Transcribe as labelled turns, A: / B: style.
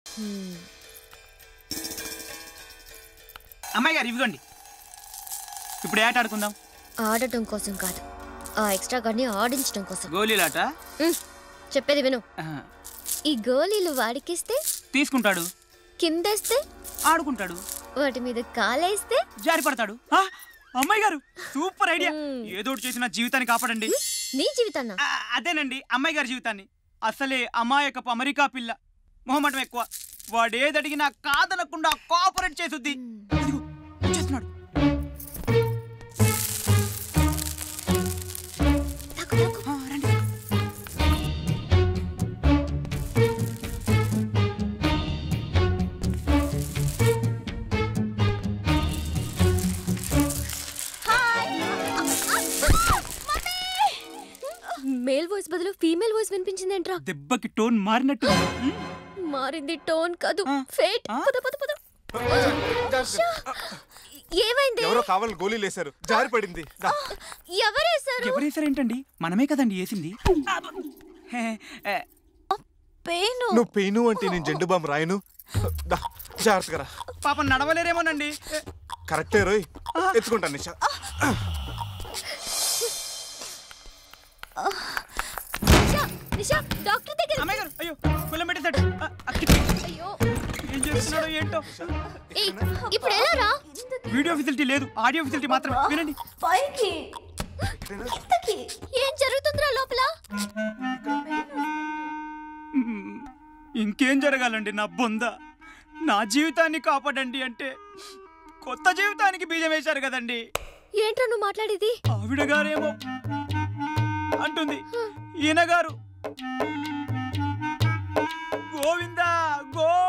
A: అమ్మాయి గారు ఇవ్వండి. ఇప్పుడు ఏట ఆడుకుందాం.
B: ఆడటం కోసం కాదు, ఆ ఎక్స్ట్రా గార్డ్ని ఆడించడం కోసం.
A: గోళీలాట?
B: చెప్పేది విను. ఈ గోళీలు వాడికిస్తే
A: తీసుకుంటాడు,
B: కిందేస్తే
A: ఆడుకుంటాడు,
B: వాటి మీద కాలేస్తే
A: జారి పడతాడు. అమ్మాయి గారు సూపర్ ఐడియా. ఏదో చేసిన జీవితాన్ని కాపాడండి.
B: నీ జీవితాన్న?
A: అదేనండి, అమ్మాయి గారి జీవితాన్ని. అసలే అమాయకపు అమెరికా పిల్ల, మొహమాటం ఎక్కువ. వాడేది అడిగినా కాదనకుండా కోఆపరేట్ చేసుద్ది. చేస్తున్నాడు.
B: మేల్ వాయిస్ బదులు ఫీమేల్ వాయిస్ వినిపించింది ఏంట్రా?
A: దెబ్బకి టోన్ మారినట్టు.
B: మారింది టోన్ కాదు, ఫేట్. పద పద పద. ఏమైంది?
C: ఎవరో కావాలి గోళీలు వేశారు, జారి పడింది.
B: ఎవరేశారు?
A: ఎవరేశారేంటండి? మనమే కదండి వేసింది.
B: పెయిన్.
C: నువ్వు పెయిన్ అంటే నేను జెండు బాంబు రాయను. జాగ్రత్తగా.
A: పాపం నడవలేరేమోనండి.
C: కరెక్టే రోయ్, ఎత్తుకుంటాను నిషా.
B: డాక్టర్ దగ్గర.
A: అమ్మాయి గారు అయ్యో కులం పెట్టేశాడు.
B: అయ్యో
A: ఏం చేస్తున్నాడో ఏంటో.
B: ఇప్పుడు ఎలా రా?
A: వీడియో ఫెసిలిటీ లేదు, ఆడియో ఫెసిలిటీ మాత్రమే. వినండి.
B: పైకి ఏం జరుగుతుందిరా లోపల?
A: ఇంకేం జరగాలండి నా బొంద? నా జీవితాన్ని కాపాడండి అంటే కొత్త జీవితానికి బీజం వేశారు కదండి.
B: ఏంట్రా నువ్వు మాట్లాడేది?
A: ఆవిడ గారేమో అంటుంది, ఈయన గారు గోవిందా గో